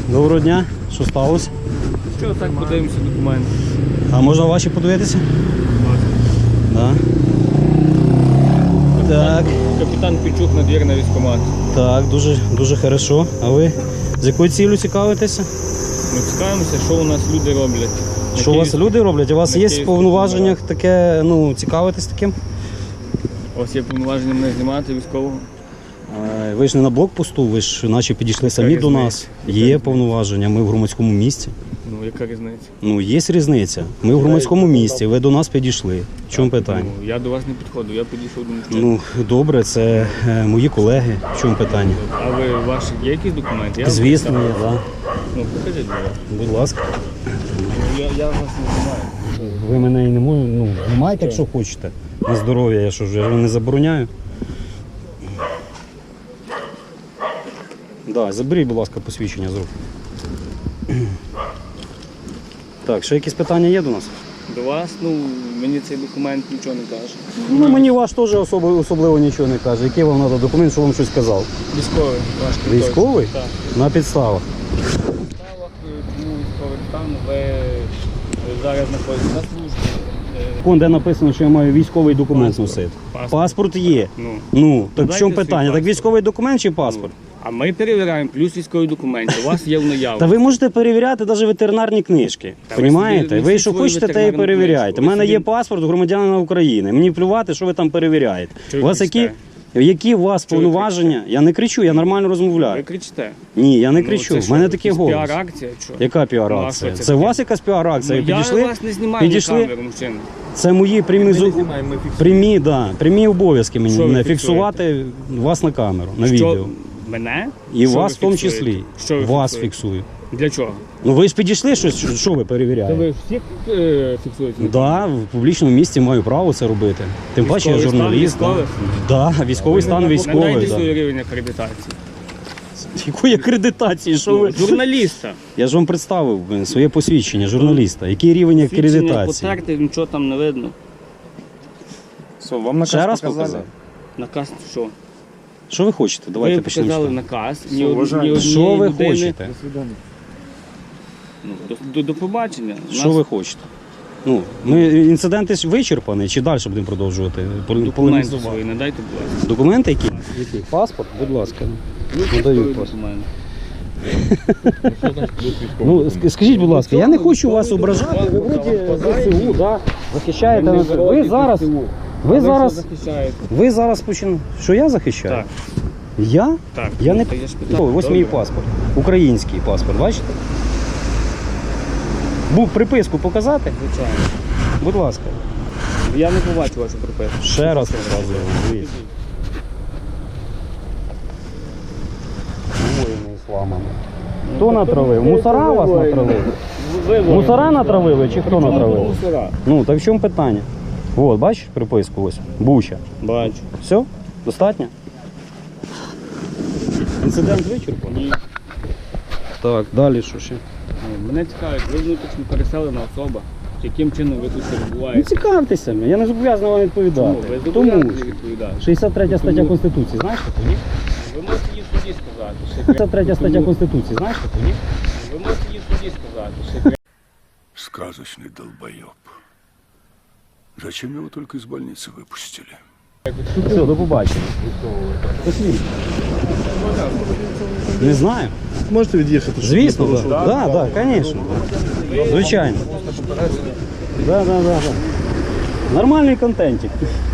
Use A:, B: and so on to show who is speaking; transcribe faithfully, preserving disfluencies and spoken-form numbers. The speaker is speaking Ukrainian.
A: Доброго дня. Що сталося?
B: Що, так подивимося документи.
A: А можна ваші подивитися? Да. Так.
B: Капітан Пінчук, надвірна військкомат.
A: Так, дуже, дуже хорошо. А ви з якою ціллю цікавитеся?
B: Ми цікавимося, що у нас люди роблять.
A: Що у вас люди роблять? У вас
B: на
A: є в
B: Київському
A: повноваженнях таке, ну, цікавитись таким?
B: У вас є повноваження мене знімати військового?
A: А, Ви ж не на блокпосту, ви ж наче підійшли самі
B: різниця?
A: до нас.
B: Яка
A: Є
B: різниця?
A: повноваження, ми в громадському місці.
B: Ну, яка різниця?
A: Ну, є різниця. Ми в громадському місці, ви до нас підійшли. В чому питання?
B: Ну, я до вас не підходив, я підійшов до мужчини.
A: Ну, добре, це е, мої колеги. В чому питання?
B: А ви, ваші, є якісь документи? Я вам
A: Звісно,
B: представлю.
A: є, так.
B: Ну, покажіть, будь ласка.
A: Будь ласка.
B: Ну, я, я вас не знаю.
A: Ви мене і не можете, ну, знімайте, якщо хочете. На здоров'я, я що ж, я ж не забороняю. Да, заберіть, будь ласка, посвідчення з рук. Так, ще якісь питання є до нас?
B: До вас, ну, мені цей документ нічого не каже.
A: Ну, мені ваш теж особливо, особливо нічого не каже. Який вам треба документ, що вам щось казав?
B: Військовий, ваш квиток.
A: Військовий?
B: Так.
A: На підставах.
B: підставах, чому військовий стан, ви зараз знаходитесь на службі. Е,
A: Вон, де написано, що я маю військовий документ
B: Паспорт.
A: носити.
B: Паспорт.
A: Паспорт є.
B: Ну,
A: Ну, так в
B: Дайте
A: чому
B: свій
A: питання? Так
B: паспорт.
A: військовий документ чи паспорт?
B: а ми перевіряємо, плюс військові документи. У вас є в наявності.
A: Та ви можете перевіряти навіть ветеринарні книжки.
B: Та ви
A: Понімаєте?
B: собі
A: Ви
B: несіть
A: що
B: свою
A: хочете, те і
B: ветеринарну
A: перевіряєте. У
B: книжку. Ви
A: мене
B: собі-
A: є паспорт громадянина України. Мені плювати, що ви там перевіряєте.
B: Що
A: У
B: ви
A: вас які,
B: кричите?
A: які у вас
B: Що ви
A: повноваження? Я не кричу, я нормально
B: Ви
A: розмовляю.
B: кричите.
A: Ні, я не
B: Ну,
A: кричу.
B: це
A: У
B: що,
A: мене такий
B: якась
A: голос.
B: піар-акція? Що?
A: Яка
B: Ну, а
A: піар-акція?
B: що це
A: Це у
B: таке?
A: вас якась піар-акція?
B: Ну,
A: Ви
B: я
A: підійшли?
B: вас не знімаю
A: підійшли?
B: на камеру, мужчина.
A: Це мої прямі,
B: Ми
A: зу-
B: не знімаємо, ми фіксуємо.
A: прямі, да, прямі обов'язки мені
B: Що ви
A: мене
B: фіксуєте?
A: фіксувати вас на камеру, на
B: Що?
A: відео.
B: Мене?
A: І
B: Що
A: вас
B: ви
A: в тому
B: фіксуєте?
A: числі.
B: Що ви
A: Вас
B: фіксуєте?
A: фіксую.
B: Для чого?
A: Ну ви ж підійшли, щось, що, що ви
B: Та
A: перевіряєте?
B: ви всіх е, фіксуєте?
A: Да, в публічному місці маю право це робити. Тим паче я
B: Військовий стан
A: журналіст. Да.
B: військових?
A: Да, військовий стан військовий.
B: Надайте
A: Да.
B: свій рівень акредитації.
A: Якої акредитації? Що ви?
B: Ну, журналіста.
A: Я ж вам представив блин, своє посвідчення журналіста. Який рівень
B: Свідчення
A: акредитації?
B: потерти, нічого там не видно.
C: Все, вам наказ
A: Ще раз
C: показали?
A: показав.
B: Наказ що?
A: Що ви хочете? Давайте
B: ви
A: почнемо. з
B: показали
A: того.
B: наказ.
C: Все,
B: Ні, од-
C: вважаю.
B: ні однієї
A: Що ви
B: людини-
A: хочете?
C: До свидання.
B: Ну, до, до, до побачення.
A: Що
B: Нас
A: ви хочете? Ну, ми інциденти ж вичерпані, чи далі будемо продовжувати? Пол-
B: документи
A: полемізувати?
B: свої надайте, будь ласка.
A: Документи які? Які? Паспорт? Будь ласка. Надаю
B: Військові
A: паспорт.
B: документи.
A: Ну, ск- скажіть, будь ласка, я не хочу вас ображати, ви вроді ЗСУ, да, захищаєте.
B: Ви не
A: нас. Ви
B: вроді
A: зараз,
B: ЗСУ.
A: ви
B: А
A: зараз,
B: що захищаєте?
A: ви зараз починаєте. Що я захищаю?
B: Так.
A: Я?
B: Так.
A: Я не
B: Ну, та я ж питав.
A: Ой, ось
B: Добре.
A: мій паспорт. Український паспорт, бачите? Був приписку показати?
B: Звичайно.
A: Будь ласка.
B: Я не побачу вашу приписку.
A: Ще раз показую. Дивіться. Воїни ісламами. Хто натравив? Мусора вас натравили?
B: Ви
A: Мусора натравили чи хто натравив?
B: Мусора.
A: Ну, так в чому питання? От, бачиш приписку ось? Буча.
B: Бачу.
A: Все? Достатньо? Інцидент вичерпаний?
B: Ні.
A: Так, далі що ще?
B: Ну, Мене цікавить, ви внутрішньо переселена особа. Яким чином ви тут
A: Ну
B: перебуваєте?
A: цікавтеся, я не зобов'язаний вам
B: Чому?
A: відповідати.
B: Ви
A: Тому
B: зобов'язані відповідати.
A: шістдесят третя стаття
B: Тому-
A: Конституції, знаєш таку, ні?
B: Ви можете їй в суді сказати. що
A: шістдесят третя стаття
B: Тому-
A: Конституції, знаєш таку, ні?
B: Ви можете їй в суді сказати. що
D: Сказочный долбоеб. Зачем его только из больницы выпустили?
A: Все, до побачення. Посвідчення. Не знаю.
C: Можете від'їхати? щоб
A: Звісно,
C: не
A: так.
C: порушувати?
A: Да, да, звісно. Звичайно. Да, да, да, да. Нормальний контентик.